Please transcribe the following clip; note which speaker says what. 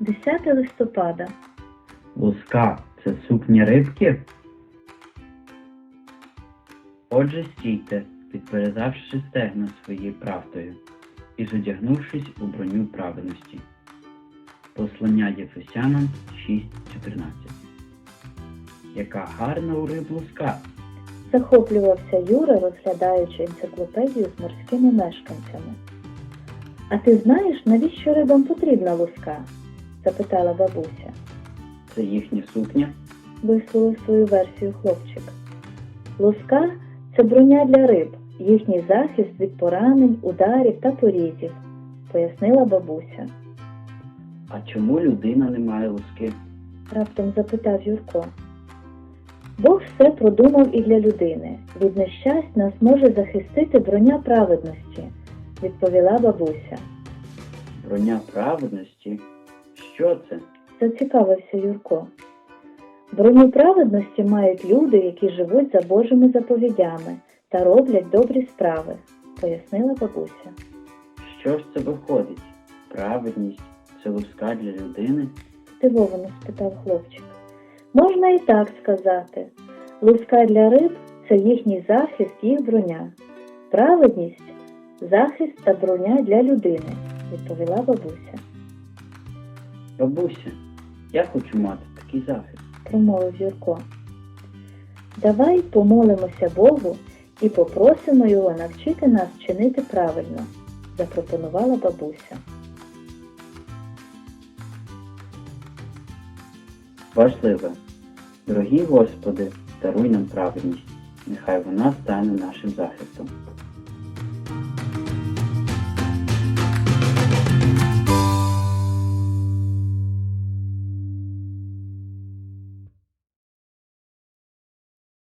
Speaker 1: 10 листопада.
Speaker 2: Луска – це сукня рибки? Отже, стійте, підперезавши стегна своєю правдою і зодягнувшись у броню праведності. Послання Єфесянам 6:14. Яка гарна у риб луска!
Speaker 1: Захоплювався Юра, розглядаючи енциклопедію з морськими мешканцями. «А ти знаєш, навіщо рибам потрібна луска?» – запитала бабуся.
Speaker 2: Це їхня сукня?
Speaker 1: Висловив свою версію хлопчик. «Луска – це броня для риб, їхній захист від поранень, ударів та порізів», – пояснила бабуся.
Speaker 2: А чому людина не має луски?
Speaker 1: Раптом запитав Юрко. «Бог все продумав і для людини. Від нещасть нас може захистити броня праведності», – відповіла бабуся.
Speaker 2: Броня праведності? Що це?
Speaker 1: Зацікавився Юрко. Броню праведності мають люди, які живуть за Божими заповідями та роблять добрі справи, пояснила бабуся.
Speaker 2: Що ж це виходить? Праведність – це луска для людини?
Speaker 1: Здивовано спитав хлопчик. Можна і так сказати. Луска для риб – це їхній захист, їх броня. Праведність – захист та броня для людини, відповіла бабуся.
Speaker 2: Бабуся, я хочу мати такий захист.
Speaker 1: Промовив Юрко. Давай помолимося Богу і попросимо Його навчити нас чинити правильно, запропонувала бабуся.
Speaker 2: Важливе. Дорогі Господи, даруй нам праведність. Нехай вона стане нашим захистом.